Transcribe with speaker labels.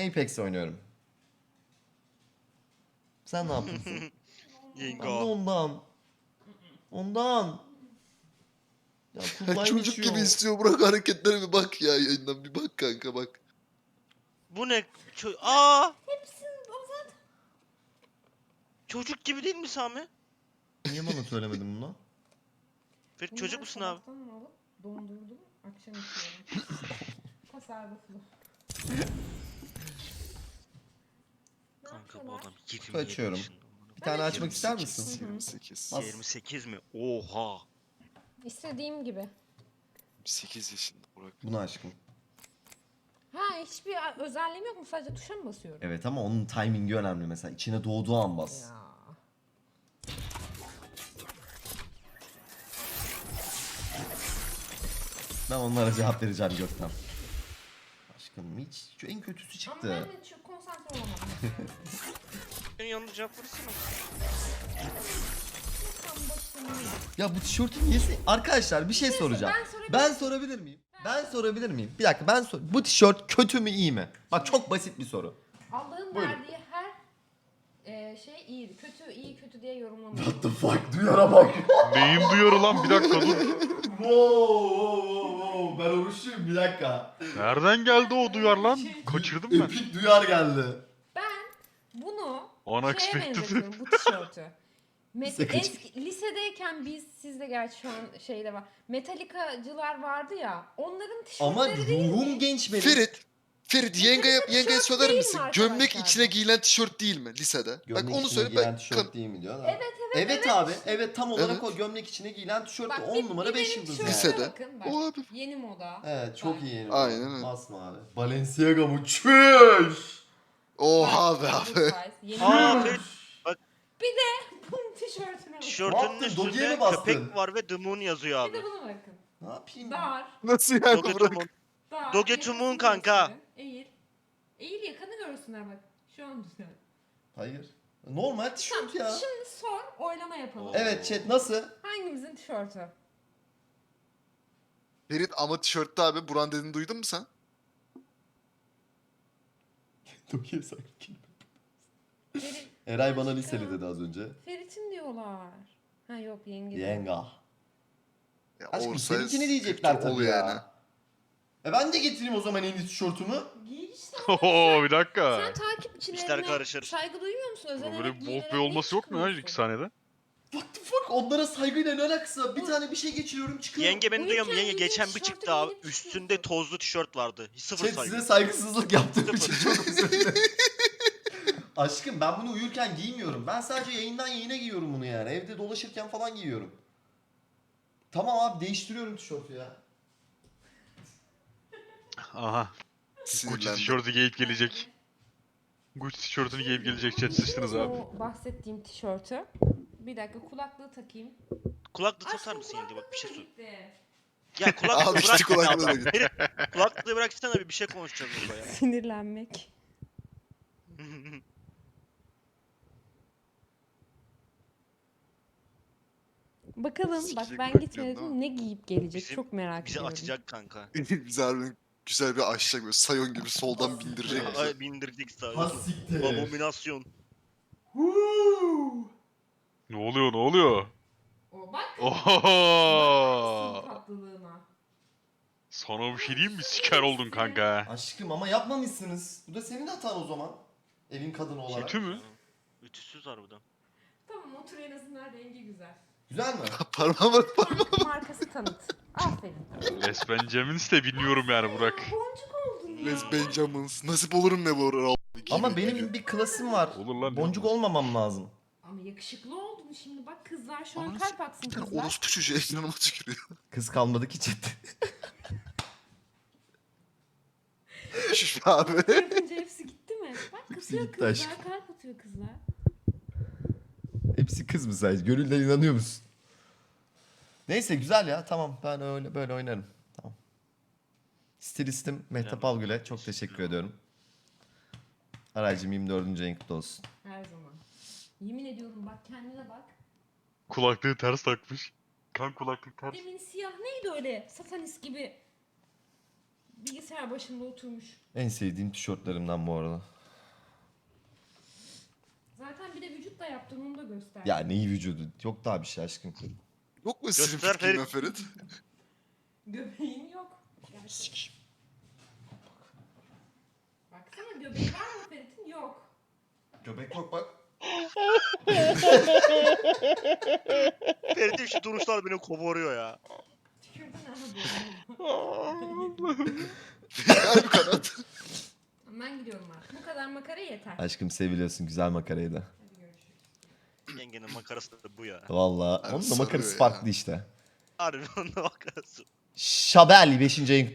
Speaker 1: Apex oynuyorum. Sen ne yapıyorsun? Ben de
Speaker 2: Yengo.
Speaker 1: ondan. Ondan. Ya kulağım
Speaker 3: Çocuk gibi
Speaker 1: içiyor.
Speaker 3: istiyor, bırak hareketlerine bir bak ya, yayından bir bak kanka bak.
Speaker 2: Bu ne? Aa!
Speaker 4: Hepsini o zaten.
Speaker 2: Çocuk gibi değil mi Sami?
Speaker 1: Niye bana söylemedin bunu?
Speaker 2: Ferit çocuk musun abi?
Speaker 4: Sabahtan alıp dondurdum. Akşam içiyorum. Tasarruflu. Ne
Speaker 2: Kanka bu
Speaker 4: yapıyorlar?
Speaker 2: adam 27
Speaker 1: Açıyorum.
Speaker 2: yaşında.
Speaker 1: Bir tane açmak
Speaker 3: 28,
Speaker 1: ister misin?
Speaker 3: 28.
Speaker 1: Bas.
Speaker 2: 28 mi? Oha.
Speaker 4: İstediğim gibi.
Speaker 3: 8 yaşında Burak.
Speaker 1: Bunu aşkım.
Speaker 4: Ha hiçbir özelliğim yok mu? Sadece tuşa mı basıyorum?
Speaker 1: Evet ama onun timingi önemli mesela. İçine doğduğu an bas.
Speaker 4: Ya.
Speaker 1: Ben onlara cevap vereceğim Gökten. Aşkım hiç şu en kötüsü
Speaker 4: Ama
Speaker 1: çıktı.
Speaker 4: ben hiç konsantre olamadım.
Speaker 2: Senin yanında cevap versene.
Speaker 4: Tam başını.
Speaker 1: Ya bu tişörtü niye Arkadaşlar bir şey soracağım. Ben sorabilir miyim? Ben sorabilir miyim? Bir dakika bu tişört kötü mü iyi mi? Bak çok basit bir soru.
Speaker 4: Allah'ın
Speaker 1: Buyurun.
Speaker 4: verdiği her şey iyiydi. Kötü, iyi, kötü diye yorumlamıyor.
Speaker 1: What the fuck? Duyara bak.
Speaker 5: Neyim duyuyor lan, bir dakika dur.
Speaker 1: Wow. Ben oruçluyum bir dakika.
Speaker 5: Nereden geldi o duyar lan? Kaçırdım ben.
Speaker 1: Epik duyar geldi.
Speaker 4: Ben bunu şeye
Speaker 5: Unexpected.
Speaker 4: benzetiyorum bu tişörtü.
Speaker 1: Lise kaç?
Speaker 4: Lisedeyken siz de gerçi şu an şeyde var. Metalikacılar vardı ya. Onların
Speaker 1: Ama
Speaker 4: tişörtleri değil mi?
Speaker 1: ruhum genç benim.
Speaker 3: Ferit yengeye
Speaker 4: tişört
Speaker 3: söyler
Speaker 4: değil
Speaker 3: misin?
Speaker 4: mi
Speaker 3: Gömlek
Speaker 4: arkadaşlar
Speaker 3: içine
Speaker 4: bu?
Speaker 3: giyilen tişört değil mi lisede?
Speaker 1: Gömlek
Speaker 3: bak onu
Speaker 1: içine
Speaker 3: söyle
Speaker 1: giyilen
Speaker 3: ben.
Speaker 1: tişört değil mi diyor da.
Speaker 4: Evet,
Speaker 1: Evet abi. Evet tam olarak
Speaker 3: Evet.
Speaker 1: o gömlek içine giyilen tişört
Speaker 4: Bak,
Speaker 1: de 10 numara 5
Speaker 4: benim
Speaker 1: yıldız
Speaker 4: tişörtüme
Speaker 1: yani.
Speaker 3: Lisede.
Speaker 4: bakın, bak.
Speaker 3: O abi.
Speaker 4: Yeni moda.
Speaker 1: Evet çok
Speaker 4: Bak.
Speaker 1: iyi.
Speaker 3: Aynen öyle.
Speaker 1: Basmavi. Balenciaga mı? Çüş.
Speaker 3: Oha be
Speaker 4: Bak,
Speaker 3: abi.
Speaker 4: bu size, yeni
Speaker 2: Aa
Speaker 4: moda.
Speaker 2: Ferit
Speaker 4: Bunun tişörtüne bakın.
Speaker 2: tişörtünün
Speaker 1: yaptın? Doge'ye
Speaker 2: üstünde
Speaker 1: mi bastın?
Speaker 2: köpek var ve The Moon yazıyor
Speaker 4: Bir de
Speaker 2: abi.
Speaker 4: buna bakın.
Speaker 1: Ne yapayım?
Speaker 4: Dar.
Speaker 3: Nasıl yani
Speaker 2: Doge
Speaker 3: Burak?
Speaker 2: Moon.
Speaker 4: Dar.
Speaker 2: Doge
Speaker 4: yakasını
Speaker 2: Tumun kanka.
Speaker 4: gösterin. Eğil. Eğil yakanı görsünler bak. Şu an güzel.
Speaker 1: Hayır. Normal tişört
Speaker 4: Tamam,
Speaker 1: ya.
Speaker 4: şimdi sor, oylama yapalım.
Speaker 1: Evet chat nasıl?
Speaker 4: Hangimizin tişörtü?
Speaker 3: Ferit ama tişörtte abi Buran dediğini duydun mu sen?
Speaker 1: Doge'ye sakin.
Speaker 4: Ferit,
Speaker 1: Eray bana
Speaker 4: Aşkım.
Speaker 1: liseli dedi az önce.
Speaker 4: Ferit'in diyorlar. Ha yok yenge.
Speaker 1: Yenga.
Speaker 3: Ya
Speaker 1: Aşkım
Speaker 3: oversize
Speaker 1: seninkini diyecekler
Speaker 3: kültür
Speaker 1: tabii
Speaker 3: oluyor
Speaker 1: ya.
Speaker 3: yani.
Speaker 1: Ben de getireyim o zaman en iyi tişörtümü.
Speaker 4: Giy işte.
Speaker 5: Oho bir dakika.
Speaker 4: Sen takipçilerine
Speaker 2: İşler karışır.
Speaker 4: saygı duymuyor musun?
Speaker 5: Böyle
Speaker 4: Özenerek
Speaker 5: bir
Speaker 4: giyinerek
Speaker 5: bok bir olması yok mu ya
Speaker 4: çıkmıyorsun?
Speaker 5: 2 saniyede?
Speaker 1: What the fuck? Onlara saygıyla ne alakası var? Bir tane bir şey geçiriyorum çıkıyor.
Speaker 2: Yenge beni duyuyor mu?
Speaker 4: Uyurken
Speaker 2: Yenge
Speaker 4: giydiğin
Speaker 2: geçen bir
Speaker 4: tişörtü
Speaker 2: çıktı abi.
Speaker 4: giyinip
Speaker 2: Üstünde
Speaker 4: çıkıyorsun.
Speaker 2: tozlu tişört vardı. Sıfır
Speaker 1: Chat
Speaker 2: saygı.
Speaker 1: size saygısızlık yaptığım
Speaker 2: Sıfır.
Speaker 1: için çok özür dilerim. Aşkım ben bunu uyurken giymiyorum. Ben sadece yayından yayına giyiyorum bunu yani. Evde dolaşırken falan giyiyorum. Tamam abi değiştiriyorum tişörtü ya.
Speaker 5: Aha. Gucci
Speaker 3: Sinirlendim.
Speaker 5: tişörtü giyip gelecek. Gucci tişörtünü giyip gelecek, chat sıçtınız abi.
Speaker 4: O bahsettiğim tişörtü. Bir dakika kulaklığı takayım.
Speaker 2: Kulaklığı
Speaker 4: Aşkım,
Speaker 2: takar mısın yenge? Bak bir şey sor.
Speaker 4: gitti.
Speaker 2: Ya kulaklığı
Speaker 3: Al işte
Speaker 2: bırak.
Speaker 3: kulaklığı da
Speaker 2: ya.
Speaker 3: gitti.
Speaker 2: Ferit, kulaklığı bıraksana bir şey konuşacağız burada ya.
Speaker 4: Sinirlenmek. Bakalım bak
Speaker 3: Sikecek
Speaker 4: ben
Speaker 3: bırak
Speaker 4: gitmedim
Speaker 3: diyorsun,
Speaker 4: ne giyip gelecek
Speaker 2: Bizi-
Speaker 4: çok merak
Speaker 2: Bizi
Speaker 4: ediyorum.
Speaker 2: atacak kanka.
Speaker 3: Bizi harbiden güzel bir aşacak böyle sayon gibi soldan bindirecek bizi.
Speaker 2: Ay bindirdik sağa.
Speaker 1: Hassiktir.
Speaker 2: Abominasyon.
Speaker 5: Ne oluyor ne oluyor?
Speaker 4: O bak.
Speaker 5: Oho.
Speaker 4: Tatlılığına.
Speaker 5: Sana bir şey diyeyim mi? Siker oldun kanka.
Speaker 1: Aşkım ama yapmamışsınız. Bu da senin hatan o zaman. Evin kadını olarak.
Speaker 5: Kötü mü?
Speaker 2: Ütüsüz harbiden.
Speaker 4: Tamam otur en azından rengi güzel.
Speaker 1: Güzel mi?
Speaker 3: Parmağıma bak.
Speaker 4: Markası tanıt. Aferin.
Speaker 5: Les Benjamins de bilmiyorum yani Burak.
Speaker 4: Boncuk oldun ya.
Speaker 3: Les Benjamins. Nasip olur mu ne bu ara?
Speaker 1: Ama benim bir klasım var.
Speaker 5: Olur lan.
Speaker 1: Boncuk olmamam lazım.
Speaker 4: Ama yakışıklı oldun şimdi bak kızlar şu an
Speaker 3: Ananı
Speaker 4: kalp atsın
Speaker 3: Bir tane
Speaker 4: kızlar.
Speaker 3: orospu çocuğu ekranıma tükürüyor.
Speaker 1: Kız kalmadı ki chat.
Speaker 3: Şuş be abi.
Speaker 4: Yapınca hepsi gitti mi? Bak
Speaker 1: Hepsi
Speaker 4: kızıyor
Speaker 1: gitti
Speaker 4: kızlar
Speaker 1: aşkım.
Speaker 4: kalp atıyor kızlar.
Speaker 1: Hepsi kız mı sadece? Gönülden inanıyor musun? Neyse güzel ya tamam ben öyle böyle oynarım. Tamam. Stilistim Mehtap
Speaker 2: Bilemem.
Speaker 1: Algül'e çok teşekkür ediyorum. Araycım 24. ayın kutlu olsun.
Speaker 4: Her zaman. Yemin ediyorum bak kendine bak.
Speaker 5: Kulaklığı ters takmış. Kan kulaklık ters.
Speaker 4: Demin siyah neydi öyle satanist gibi bilgisayar başında oturmuş.
Speaker 1: En sevdiğim tişörtlerimden bu arada.
Speaker 4: Zaten bir de vücut da yaptın, onu da göster.
Speaker 1: Ya neyi vücudu? Yok daha bir şey aşkım.
Speaker 3: Yok mu senin
Speaker 2: Göster
Speaker 3: fikrin ya Ferit?
Speaker 4: Göbeğin yok. Baksana, göbeği var mı Ferit'in? Yok.
Speaker 1: Göbek yok bak.
Speaker 2: Ferit'in şu duruşlar beni koparıyor ya.
Speaker 4: Tükürdün abi.
Speaker 3: Gel bir kanat.
Speaker 4: Ben gidiyorum artık. Bu kadar makara yeter.
Speaker 1: Aşkım seviliyorsun, güzel makaraydı.
Speaker 4: Hadi görüşürüz.
Speaker 2: Yengenin makarası da bu ya.
Speaker 1: Valla.
Speaker 3: Abi
Speaker 1: Onun da
Speaker 3: sarıyor
Speaker 1: makarası
Speaker 3: ya.
Speaker 1: farklı işte.
Speaker 2: Harbi onun da makarası.
Speaker 1: Şabel 5. ayın